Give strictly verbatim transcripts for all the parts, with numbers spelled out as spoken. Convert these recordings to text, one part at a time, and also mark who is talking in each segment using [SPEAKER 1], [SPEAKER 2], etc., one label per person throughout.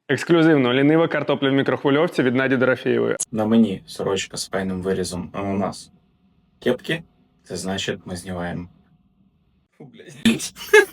[SPEAKER 1] Ексклюзивно лінива картопля в мікрохвильовці від Наді Дорофєєвої.
[SPEAKER 2] На мені сорочка з файним вирізом, а у нас кепки. Це значить, ми знімаємо. Фу, блядь.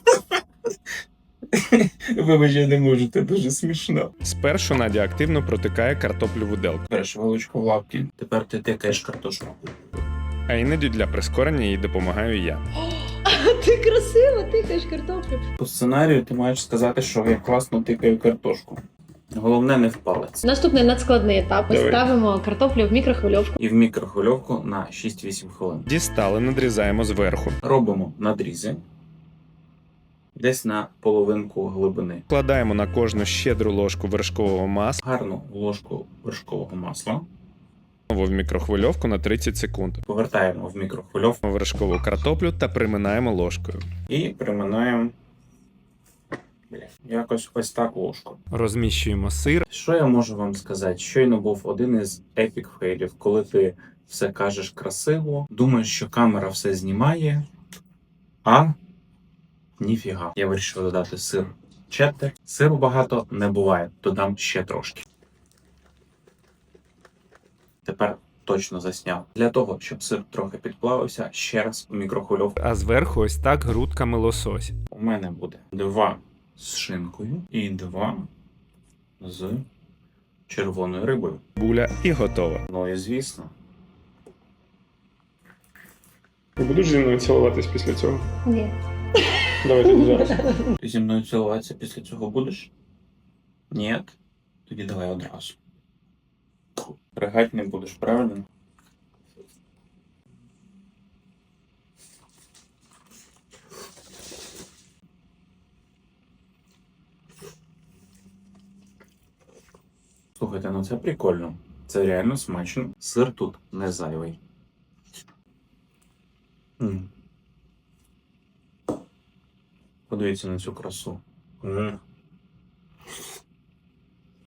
[SPEAKER 2] Вибач, я не можу, це дуже смішно.
[SPEAKER 1] Спершу Надя активно протикає картоплю в виделку,
[SPEAKER 2] Береш вилочку в лапки, тепер ти тикаєш картошку.
[SPEAKER 1] а іноді для прискорення їй допомагаю я.
[SPEAKER 3] Ти красиво тикаєш картоплю.
[SPEAKER 2] По сценарію ти маєш сказати, що я класно тикаю картошку. Головне не в палець.
[SPEAKER 3] Наступний надскладний етап. Ми
[SPEAKER 1] Давай.
[SPEAKER 3] ставимо картоплю в мікрохвильовку.
[SPEAKER 2] І в мікрохвильовку на шість-вісім хвилин.
[SPEAKER 1] Дістали, надрізаємо зверху.
[SPEAKER 2] Робимо надрізи. Десь на половинку глибини.
[SPEAKER 1] Вкладаємо на кожну щедру ложку вершкового масла
[SPEAKER 2] Гарну ложку вершкового масла.
[SPEAKER 1] в мікрохвильовку на тридцять секунд.
[SPEAKER 2] Повертаємо в мікрохвильовку
[SPEAKER 1] Вершкову картоплю та приминаємо ложкою.
[SPEAKER 2] і приминаємо бля, якось ось так ложку.
[SPEAKER 1] Розміщуємо сир.
[SPEAKER 2] Що я можу вам сказати? Щойно був один із епік фейлів, коли ти все кажеш красиво, думаєш, що камера все знімає, а ніфіга. Я вирішив додати сир четтер. Сиру багато не буває, додам ще трошки. Тепер точно засняв. Для того, щоб сир трохи підплавився, ще раз у мікрохвильовку.
[SPEAKER 1] А зверху ось так грудками лосось.
[SPEAKER 2] У мене буде два з шинкою і два з червоною рибою.
[SPEAKER 1] Буля і готова.
[SPEAKER 2] Ну і звісно.
[SPEAKER 1] Ти будеш зі мною цілуватись після цього?
[SPEAKER 3] Ні.
[SPEAKER 1] Давай тоді зараз.
[SPEAKER 2] Ти зі мною цілуватися після цього будеш? Ні? Тоді давай одразу. Ригать не будеш, правильно? Слухайте, ну це прикольно. Це реально смачно. Сир тут не зайвий. М. Подивіться на цю красу. М.